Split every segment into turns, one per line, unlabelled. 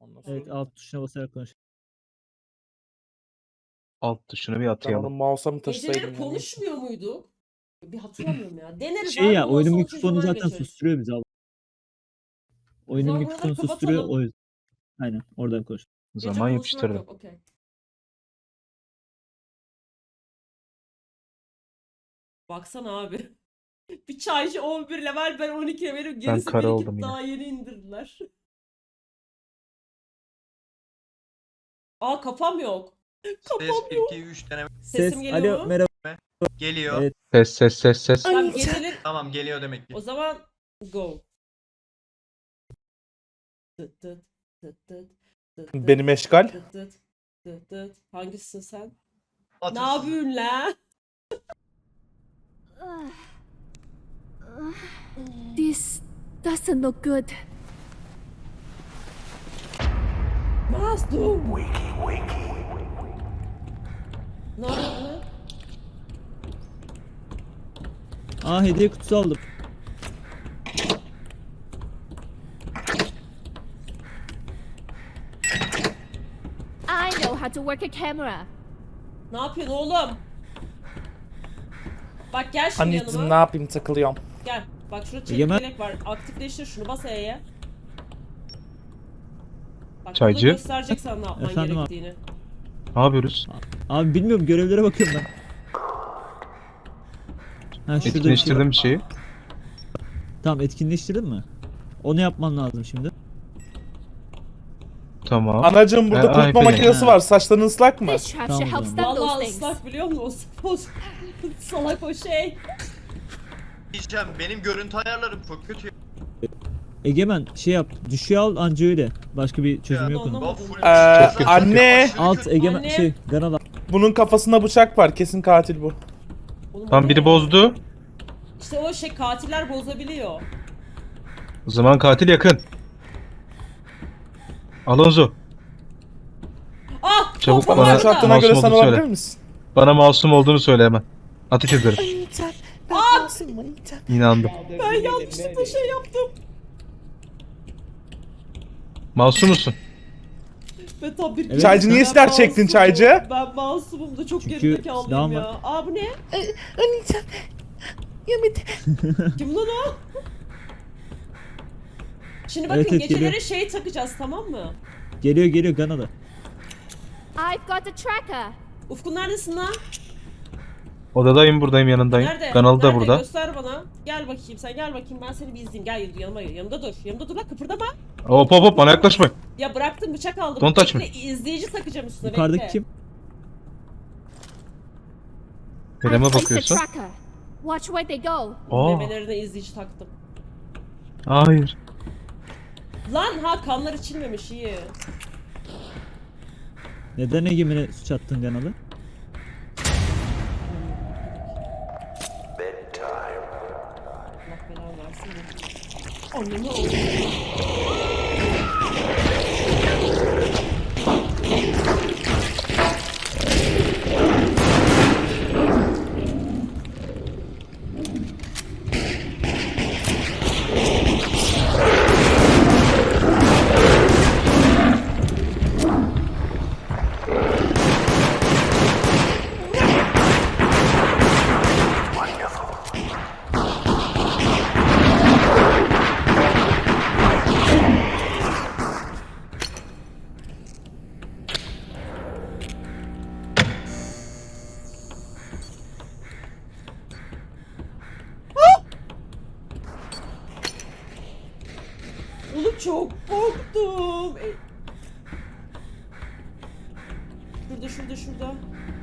Ondan
Evet,
sonra
alt tuşuna basarak konuş.
Alt tuşunu bir
ben onu
atayalım.
mouse'a mı taşısaydım
Geceleri
ya, neyse.
konuşmuyor muydu? Bir hatırlamıyorum ya. Deneriz
Şey
abi,
ya,
olmazsa
oyunun
o
mikrofonu
çözümden
zaten
geçeriz.
susturuyor bizi abi. Oyunun
zaman
mikrofonu
buraları
susturuyor
kapatalım.
o yüzden. Aynen, oradan konuş.
Gece
Zaman
konuşmak
yapıştırdım.
yok, okey. Baksana abi. Bir çaycı 11 level, ben 12 levelim. Gerisi
kara
birikip
oldum yine.
daha yeni indirdiler. Aa, kafam yok.
Ses 1 2 3 deneme
Sesim geliyor
alo,
mu?
merhaba.
geliyor.
Evet.
Ses.
Tamam, geceleri...
Tamam geliyor demek ki.
O zaman go. Tıt tıt tıt tıt tıt tıt
Benim eşgal.
tıt tıt tıt tıt. Hangisisin sen? Ne
Atırsın.
yapıyorsun la?
This doesn't look good.
Mazlum. Ne yapıyorsun lan?
Aa, hediye kutusu aldım.
I know how to work a camera.
Ne yapıyorsun oğlum? Bak gel şimdi
Anneciğim
yanıma.
ne yapayım, takılıyorum.
Gel. Bak şurada çelik
Egemen.
yelek var. Aktifleştir şunu, bas E'ye. Bak
Çaycı.
burada gösterecek sana ne yapman
Efendim abi.
gerektiğini.
Ne yapıyoruz?
Abi bilmiyorum, görevlere bakıyorum ben. Ha, şurada bir şey var.
Etkinleştirdim bir şeyi.
Tamam, etkinleştirdin mi? Onu yapman lazım şimdi.
Tamam.
Anacığım burada kurutma
iPad'e.
makinesi
Ha.
var. Saçların ıslak mı?
This trap should
Tamam,
help stop those
Vallahi
things.
ıslak biliyor musun? O salak o şey.
Diyeceğim, benim görüntü ayarlarım çok kötü.
Egemen şey yap, düşüğe al anca öyle. Başka bir çözüm
Ya,
yok onun.
anlamadım.
O full
Çok
kötü.
anne.
Alt Egemen
Anne.
şey, Ganal al.
Bunun kafasında bıçak var. Kesin katil bu.
Oğlum, o
Tam
ne
biri
ya?
bozdu.
İşte o şey, katiller bozabiliyor.
O zaman katil yakın. Alonso.
Ah!
Çabuk
kafam
bana-
orada.
Şu attığına göre
Masum
sen
olduğunu
olabilir
söyle.
misin?
Bana masum olduğunu söyle hemen. Ateş ederim. İnandım.
Ben yanlışlıkla şey yaptım.
Masum musun?
Ve tam bir...
Evet.
Çaycı niye
Ben
silah çektin
masumum.
çaycı?
Ben masumum da çok
Çünkü
gerizekalıyım
silahım
ya.
var.
Aa, bu ne? Kim lan o? Şimdi bakın,
Evet,
geceleri
geliyor.
şey takacağız, tamam mı?
Geliyor Ganal'a.
I've got a tracker.
Ufkun neredesin lan?
Odadayım, buradayım, yanındayım.
Nerede?
Kanalı da
Nerede?
burada.
Göster bana. Gel bakayım, sen gel bakayım, ben seni bir izleyeyim. Gel yanıma, yanımda dur. Yanımda dur lan, kıpırdama.
Hop bana yaklaşma.
Ya bıraktım, bıçak aldım.
Don't touch me.
Bekle, izleyici takacağım üstüne,
Yukarıdaki
bekle.
kim?
I
Nereme
placed a
bakıyorsun?
tracker. Watch where they go.
Aa,
Memelerine izleyici taktım.
hayır.
Lan ha, kanlar içilmemiş, iyi.
Neden Egemen'e suç attın Ganal'ı?
Allah belanı versin de. Anlamı oldu. Oğlum çok korktum. Şurada.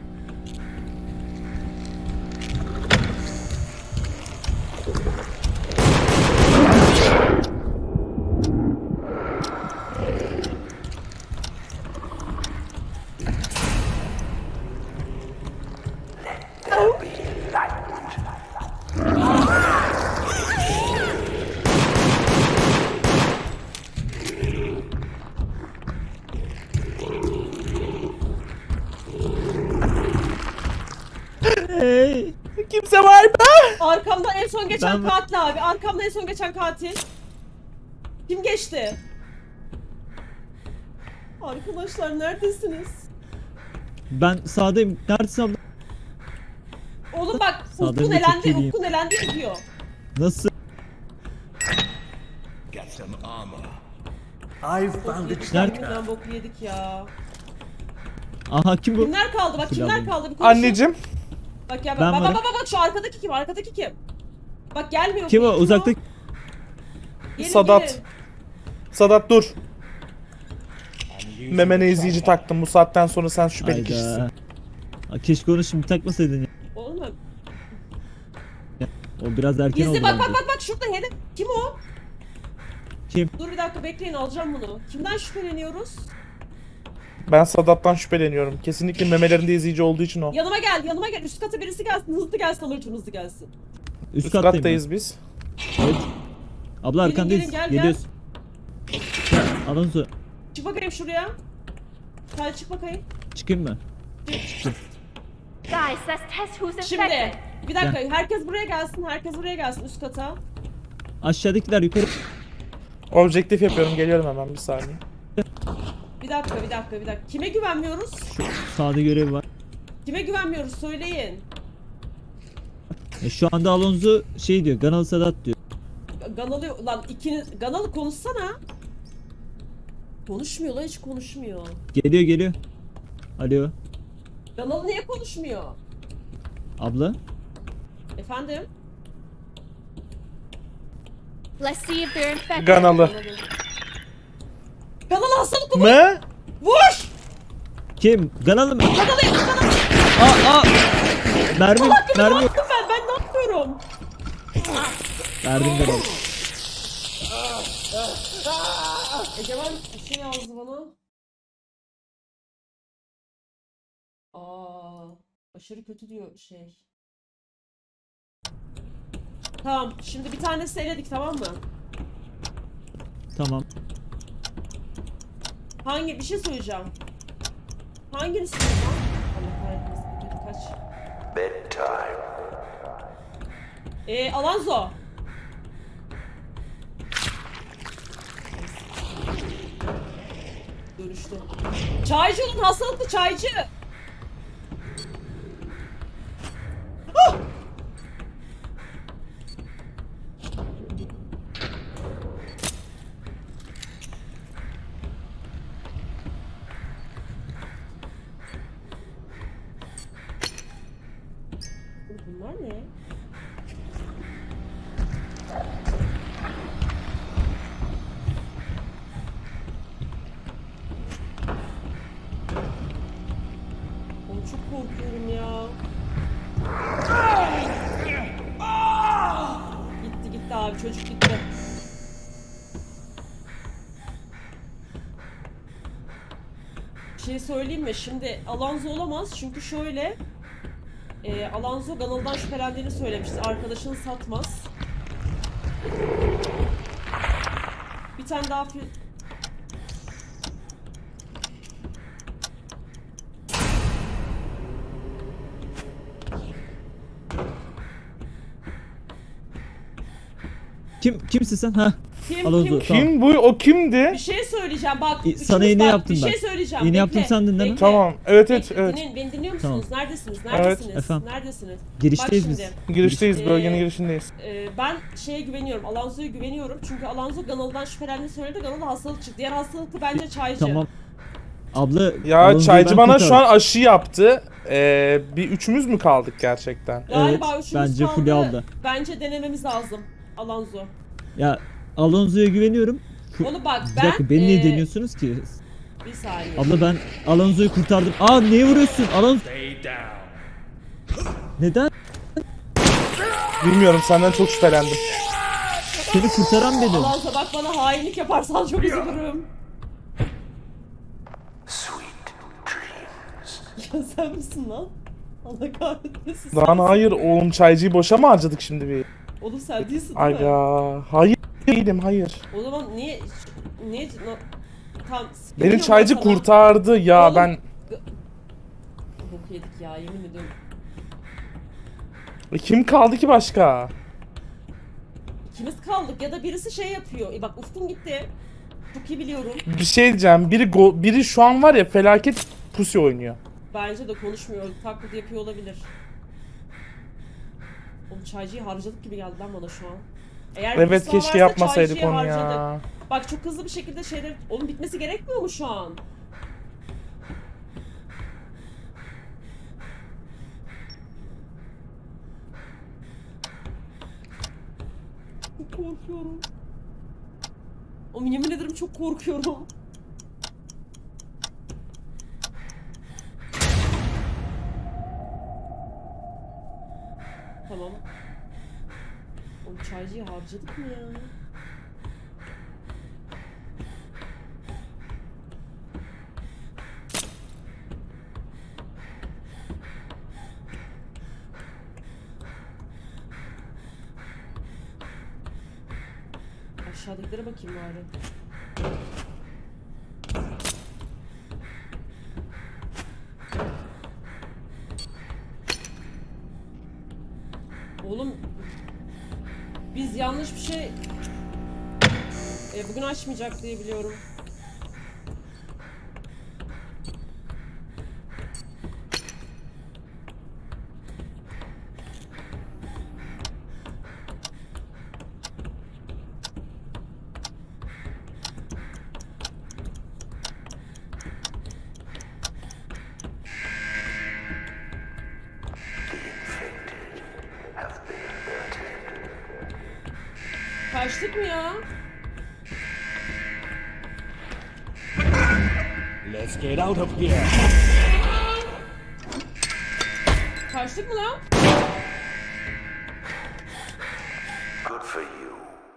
Hey!
Kimse var mı?
Arkamdan en son geçen
Ben-
katil abi. Arkamdan en son geçen katil. Kim geçti? Arkadaşlar neredesiniz?
Ben sağdayım. Neredesin abla?
Oğlum bak
Sağdan
Ufkun
bir
elendi,
çekileyim.
Ufkun elendi diyor.
Nasıl? Nerede?
Nereden boku yedik ya.
Aha kim bu?
Kimler kaldı? Bak kimler
Silahlı.
kaldı? Bir konuşun.
Anneciğim.
Bak ya
Ben
bak
varım.
bak şu arkadaki kim? Arkadaki kim? Bak gelmiyor.
Kim o?
bu,
Uzaktaki.
Gelin,
Sadat.
gelin.
Sadat dur. Memene izleyici taktım. Bu saatten sonra sen şüpheli kişisin.
Hayda. Aa, keşke onu şimdi takmasaydın ya.
Oğlum
O biraz erken
gizli
oldu
bak
bence.
bak şurada hedef. Kim o?
Kim?
Dur bir dakika bekleyin alacağım bunu. Kimden şüpheleniyoruz?
Ben Sadat'tan şüpheleniyorum. Kesinlikle memelerinde izleyici olduğu için o.
Yanıma gel. Üst kata birisi gelsin. Hızlı gelsin alırcım hızlı gelsin.
Üst
Üst
kattayım
kattayız biz.
ben. Evet. Abla
Gelin,
arkandayız.
gelin, gel,
Geliyoruz. Gel. Alonso.
Çık bakayım şuraya. Hadi çık bakayım.
Çıkayım mı?
Guys, let's test who's infected.
Şimdi bir dakika herkes buraya gelsin üst kata.
Aşağıdakiler yukarı.
Objektif yapıyorum. Geliyorum hemen bir saniye.
Bir dakika. Kime güvenmiyoruz?
Sağda görev var.
Kime güvenmiyoruz söyleyin.
Şu anda Alonso şey diyor. Ganalı Sadat diyor.
Ganalı lan ikiniz Ganalı konuşsana. Konuşmuyor lan hiç konuşmuyor.
Geliyor. Alo.
Ganalı niye konuşmuyor?
Abla.
Efendim?
Let's see if they're infected.
Ganalı.
Ganalı hastalık mı?
Mı?
Vur!
Kim? Ganalı mı?
Ganalı.
Aa! Mermi.
Ne
Mermi.
yaptım ben ne yapıyorum?
Verdim Ganalı.
Egemen bir şey yazdı bana. Aşırı kötü diyor şey. Tamam şimdi bir tanesi eledik tamam mı?
Tamam.
Bir şey söyleyeceğim. Hangini söyleyeceğim? Allah kahretmesin. Kaç? Alonso. Dönüştü. Çaycı olun hastalıklı çaycı. Ah! Bunlar ne? Oğlum çok korkuyorum ya. Gitti abi çocuk gitti. Bir şey söyleyeyim mi? Şimdi Alonso olamaz çünkü şöyle Alonso Ganalı'dan şüphelendiğini söylemişti. Arkadaşını satmaz. Bir tane daha
Kimsin sen? Ha.
Kim?
Alonso. Tamam.
Kim bu? O kimdi?
Bir şey söyleyeceğim bak.
Sana
üçünüz
iğne
bak,
yaptım
bir
ben.
şey söyleyeceğim.
İğne
bekle,
yaptım sandın değil mi?
bekle.
Tamam. Evet.
Beni dinliyor musunuz?
Tamam.
Neredesiniz?
Efendim?
Neredesiniz?
Girişteyiz
Bak
biz.
şimdi,
Girişteyiz.
Ee,
Bölgenin girişindeyiz.
Ben şeye güveniyorum. Alonso'ya güveniyorum. Çünkü Alonso Ganalı'dan şüphelendiğini söyledi. Ganalı hastalık çıktı. Diğer hastalıklı bence çaycı.
Tamam. Abla.
Ya
Alonso'yu
çaycı
ben
bana şu an
kurtardım.
aşı yaptı. Bir üçümüz mü kaldık gerçekten?
Galiba
Evet,
üçümüz
bence
kaldı.
Fulya aldı.
Bence denememiz lazım. Alonso.
Ya Alonso'ya güveniyorum.
Onu bak
Bir
ben...
dakika beni niye deniyorsunuz ki?
Bir saniye.
Abla ben Alonso'yu kurtardım. Aa niye vuruyorsun? Alonso. Neden?
Bilmiyorum senden çok şüphelendim.
Seni kurtaran benim.
Alonso bak bana hainlik yaparsan çok üzülürüm. Ya sen misin lan? Allah kahretmesin.
Lan hayır oğlum çaycıyı boşa mı harcadık şimdi bir?
Oğlum sen değilsin değil mi?
Aga hayır değilim hayır.
O zaman niye tam
Beni çaycı kurtardı ya
Oğlum.
ben.
Bok yedik ya yemin ediyorum.
Kim kaldı ki başka?
İkimiz kaldık ya da birisi şey yapıyor. Bak Ufkun gitti. çok iyi biliyorum.
Bir şey diyeceğim. Biri şu an var ya felaket pusi oynuyor.
Bence de konuşmuyor. Taklit yapıyor olabilir. Oğlum çaycıyı harcadık gibi geldi lan bana şu an. Eğer bir
Evet
sağ
keşke
varsa
yapmasaydık
çaycıyı
onu
harcadık.
ya.
Bak çok hızlı bir şekilde şeyler... Oğlum bitmesi gerekmiyor mu şu an? Çok korkuyorum. Oğlum yemin ederim çok korkuyorum. Tamam. Oğlum çaycıyı harcadık mı ya? Aşağıdakilere bakayım bari. Oğlum biz yanlış bir şey bugün açmayacak diye biliyorum. Kaçtık mı ya?
Let's get out of here.
Kaçtık mı lan?
Good for you.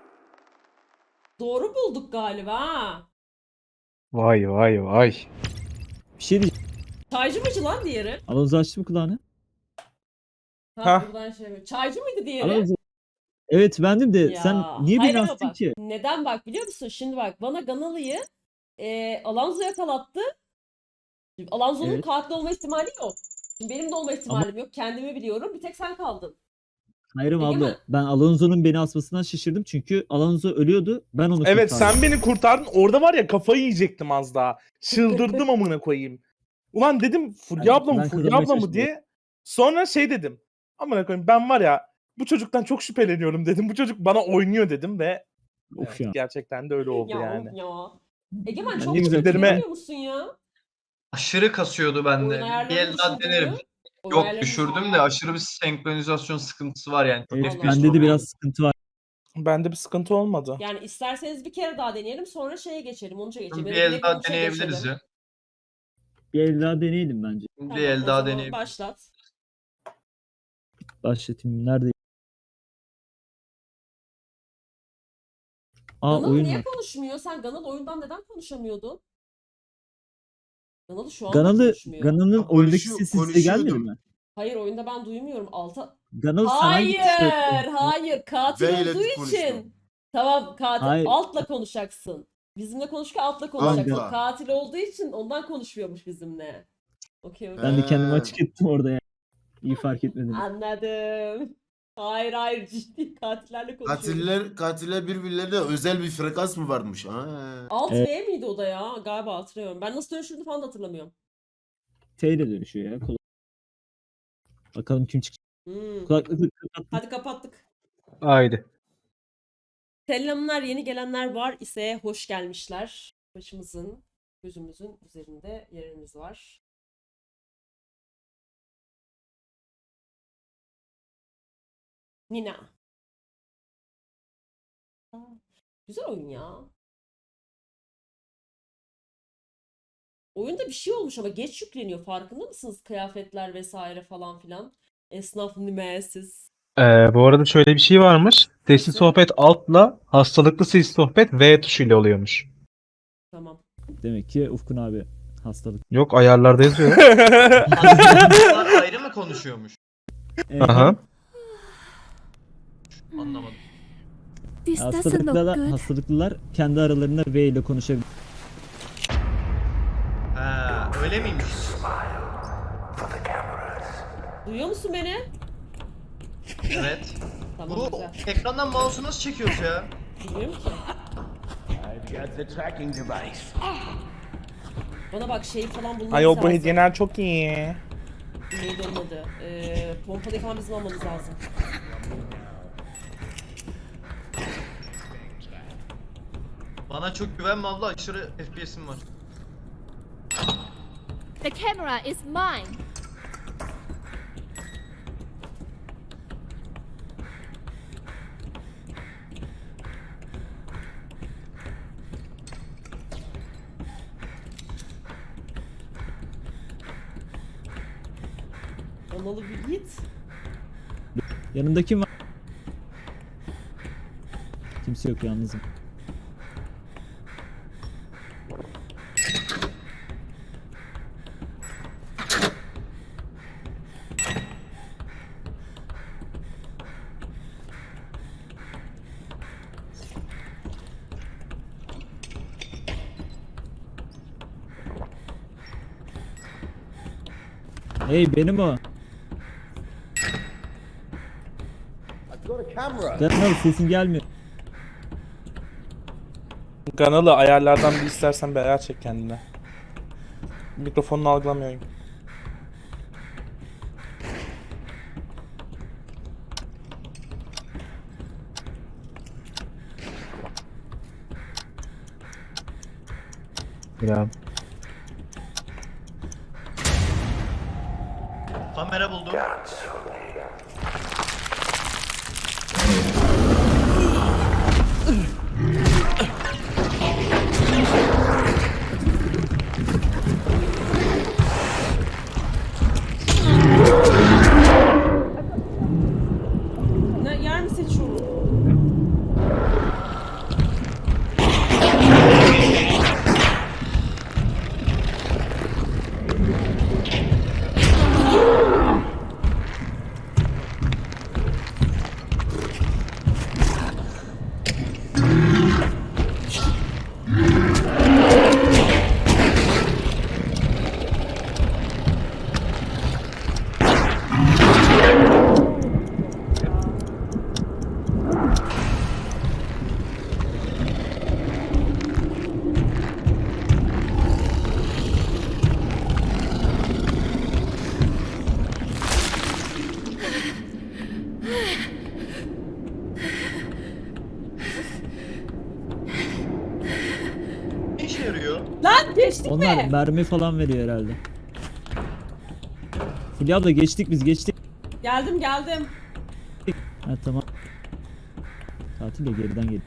Doğru bulduk galiba ha.
Vay vay vay.
Bir şey diyeceğim.
Çaycı mıydı lan diğeri?
Alonso açtı mı kulağını?
Ha.
Buradan şey mi? Çaycı mıydı diğeri?
Alonso. Evet bendim de
Ya,
sen niye
hayır
beni
ama
astın
bak,
ki?
Neden bak biliyor musun? Şimdi bak bana Ganalı'yı Alonso yakalattı. Şimdi Alonso'nun
Evet.
katil olma ihtimali yok. Şimdi benim de olma ihtimalim yok. Kendimi biliyorum. Bir tek sen kaldın.
Hayır
Egemen.
abla ben Alonso'nun beni asmasından şaşırdım çünkü Alonso ölüyordu ben onu
Evet
kurtardım.
sen beni kurtardın. Orada var ya kafayı yiyecektim az daha. Çıldırdım amına koyayım. Ulan dedim Fulya abla mı
ben
Fulya
kazanmaya
abla mı
çalıştım.
diye. Sonra şey dedim. Amına koyayım ben var ya bu çocuktan çok şüpheleniyorum dedim. Bu çocuk bana oynuyor dedim ve
Of
evet,
ya.
gerçekten de öyle oldu
Ya
yani.
of ya. Egemen
Ben
çok
ne güzel
şüpheleniyor musun ya?
Aşırı kasıyordu bende.
Oyun
Bir
ayarlarını
el daha
düşürdün
denerim.
mü? Oyun
Yok
ayarlarını
düşürdüm
düşürdün
de
mü?
aşırı bir senkronizasyon sıkıntısı var yani.
Evet,
Allah
bende de
Allah.
biraz sıkıntı var.
Bende bir sıkıntı olmadı.
Yani isterseniz bir kere daha deneyelim sonra şeye geçelim. Onca geçelim.
Bir
Ya da
el
direkt
daha
Onca
deneyebiliriz
geçelim.
ya.
Bir el daha deneyelim bence.
Tamam,
Bir el
o
daha
zaman
deneyebiliriz.
başlat.
Başlatayım. Nerede? Aa
Ganal
oyun
niye
var.
konuşmuyor? Sen Ganal oyundan neden konuşamıyordun? Ganal'ı şu an konuşmuyor.
Ganal'ın
Ya
oyundaki
konuşuyor-
sesi size gelmedi
konuşuyordum.
mi?
Hayır oyunda ben duymuyorum.
Ganal sen hangi
Hayır,
tuşla-
hayır. Katil
V ile
olduğu
konuştum.
için. Tamam katil.
Hayır.
Altla konuşacaksın. Bizimle konuşurken altla konuşacaksın.
Altla.
Katil olduğu için ondan konuşmuyormuş bizimle. Okey okey.
Ben de kendimi
Ee.
açık ettim orada ya. İyi fark etmedim.
Anladım. Hayır ciddi katillerle konuşuyorum.
Katiller birbirlerine özel bir frekans mı varmış?
Alt
Evet.
V miydi o da ya? Galiba hatırlıyorum. Ben nasıl dönüşürdü falan da hatırlamıyorum.
T ile dönüşüyor ya. Bakalım kim çıkacak. Kulaklıkla kapattım.
Hadi kapattık.
Haydi.
Selamlar, yeni gelenler var ise hoş gelmişler. Başımızın, gözümüzün üzerinde yeriniz var. Nina. Aa, güzel oyun ya. Oyunda bir şey olmuş ama geç yükleniyor. Farkında mısınız? Kıyafetler vesaire falan filan. Esnaf nimesiz.
Bu arada şöyle bir şey varmış. Sesli
Nasıl?
sohbet altla hastalıklı sesli sohbet V tuşuyla oluyormuş.
Tamam.
Demek ki Ufkun abi hastalık.
Yok ayarlarda yazıyor.
Bunlar ayrı mı konuşuyormuş?
Aha.
Anlamadım.
This doesn't look good.
Hastalıklılar kendi aralarında V ile konuşabilir.
Ha, öyle miymiş?
Duyuyor musun beni?
Evet.
Tamam
Bu
güzel.
ekrandan mouse'u nasıl çekiyoruz ya?
Bilmiyorum ki.
I've got the tracking device.
Bana bak şey falan bulmamız
Ay o
lazım.
bu hediyeler çok iyi.
Neydi onun adı? Pompalı falan bizim almamız lazım.
Bana çok güvenme abla, aşırı FPS'im var.
The camera is mine.
Analı bir git.
Yanında kim var? Kimse yok, yalnızım. Hey, benim o.
I've got a camera.
Canım sesin gelmiyor.
Ganalı ayarlardan bir istersen bir ayar çek kendine. Mikrofonunu algılamıyorum.
Ya.
Kamera buldum.
Ne yer mi seçiyorum?
Ne işe yarıyor?
Lan geçtik
Onlar
mi?
mermi falan veriyor herhalde. Fulya abla geçtik, biz geçtik.
Geldim geldim.
Ha tamam. Tatil de geriden gel.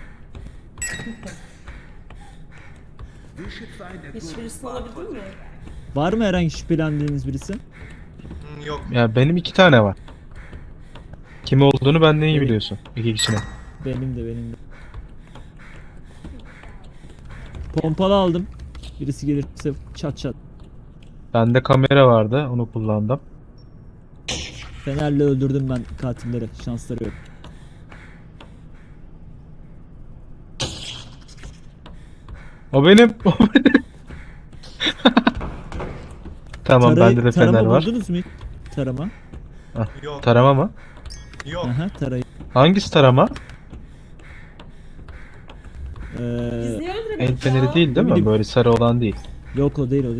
Hiçbirisini alabildin mi?
Var mı herhangi şüphelendiğiniz birisi?
Yok.
Ya benim 2 tane var. Kim olduğunu benden iyi biliyorsun. 2 kişinin.
Benim de. Pompalı aldım. Birisi gelirse çat çat.
Bende kamera vardı. Onu kullandım.
Fenerle öldürdüm ben katilleri. Şansları yok.
O benim. O benim. Tamam bende de fener
tarama
var.
buldunuz mu hiç? Tarama.
Yok.
Tarama mı?
Yok.
Aha tarayı.
Hangisi tarama?
Biz niye öldüremedik
El feneri
ya?
değil değil mi?
Bilmiyorum.
Böyle sarı olan değil.
Yok o değil o değil.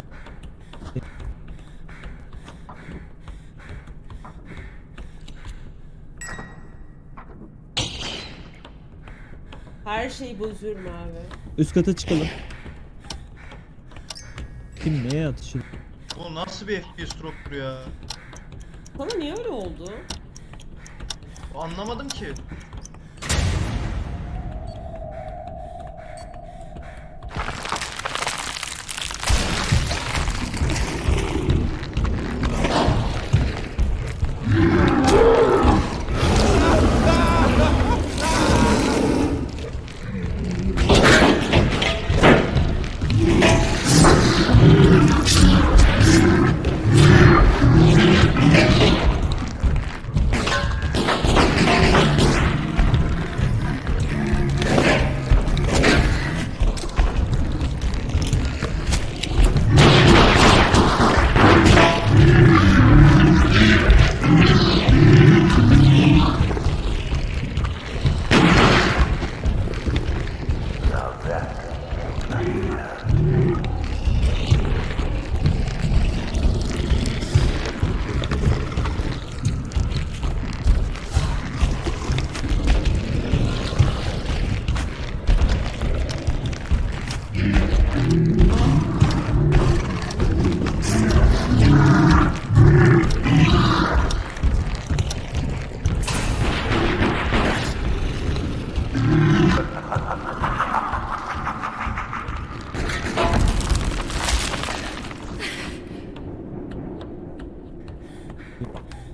Her şeyi bozuyorum abi.
Üst kata çıkalım. Kim neye atışıyor?
Bu nasıl bir FPS drop'tur ya?
Sana niye öyle oldu?
Anlamadım ki.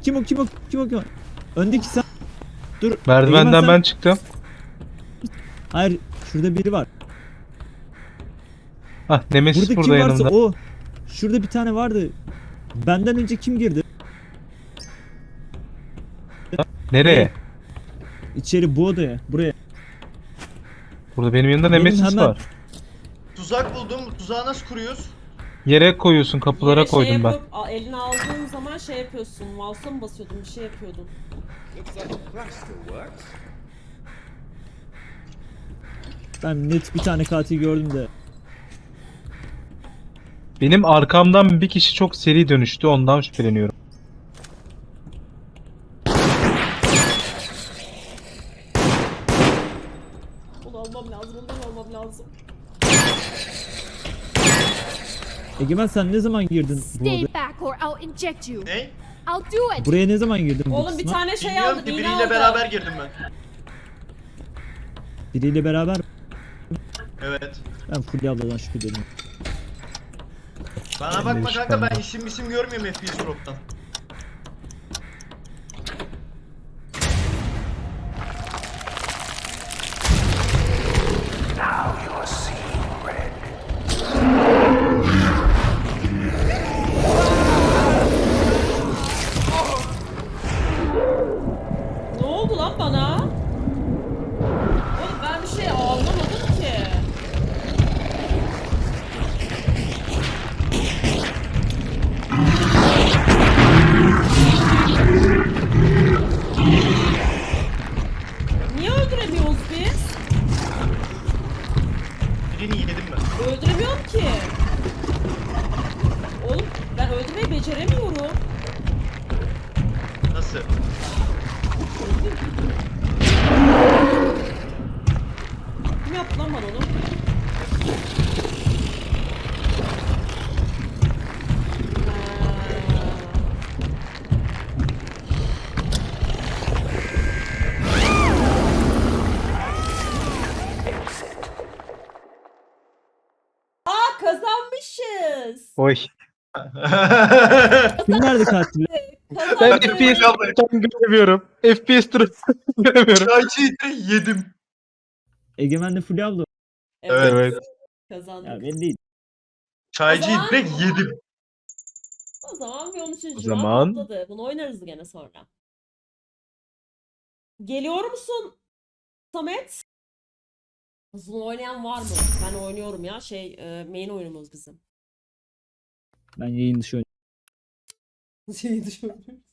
Kim o? Öndeki sen. Dur.
Merdivenden
Egemen sen-
ben çıktım.
Hayır, şurada biri var.
Hah, Nemesis
Burada
burada
kim varsa
yanımda.
o. Şurada bir tane vardı. Benden önce kim girdi?
Nereye?
İçeri bu odaya. Buraya.
Burada benim yanımda
Benim
Nemesis
hemen-
var.
Tuzak buldum. Bu tuzağı nasıl kuruyoruz?
Yere koyuyorsun, kapılara
Yere
koydum ben.
yapıp, eline aldığın zaman şey yapıyorsun. Mouse'a mı basıyordun? Bir şey yapıyordun.
Ben net bir tane katil gördüm de.
Benim arkamdan bir kişi çok seri dönüştü, ondan şüpheleniyorum.
Bunu almam lazım. Ondan almam lazım.
Egemen sen ne zaman girdin bu
Stay
odaya?
back or I'll inject you.
Ne?
I'll do it.
Buraya ne zaman girdin bu
Oğlum bir
kısma?
tane şey
Bilmiyorum
aldım.
ki
İğne
biriyle
aldım.
beraber girdim ben.
Biriyle beraber
Evet.
ben Fulya abladan şüpheleniyorum.
Bana
Ben de
bakma
hiç
kanka, ben
şüphelenmem.
isim görmüyorum FPS Drop'tan.
Ne oldu lan bana? Oğlum ben bir şey anlamadım ki. Niye öldüremiyoruz biz?
Birini yedim ben.
Öldüremiyorum ki. Oğlum ben öldürmeyi beceremiyorum.
Nasıl?
Kim yaptı lan bana onu? Aa kazanmışız.
Oy.
Kim nerede katil?
Ben
Kazandık.
FPS göremiyorum. FPS göremiyorum.
Çaycıyı yedim.
Egemen'le Fulya abla.
Evet.
Evet.
Kazandık.
Ya ben değil.
Çaycıyı
O zaman-
direkt yedim.
O zaman bir 13.
O
round
zaman-
patladı. Bunu oynarız gene sonra. Geliyor musun Samet? Bunu oynayan var mı? Ben oynuyorum ya. Main oyunumuz bizim.
Ben yayın dışı
Şey düşünüyorum.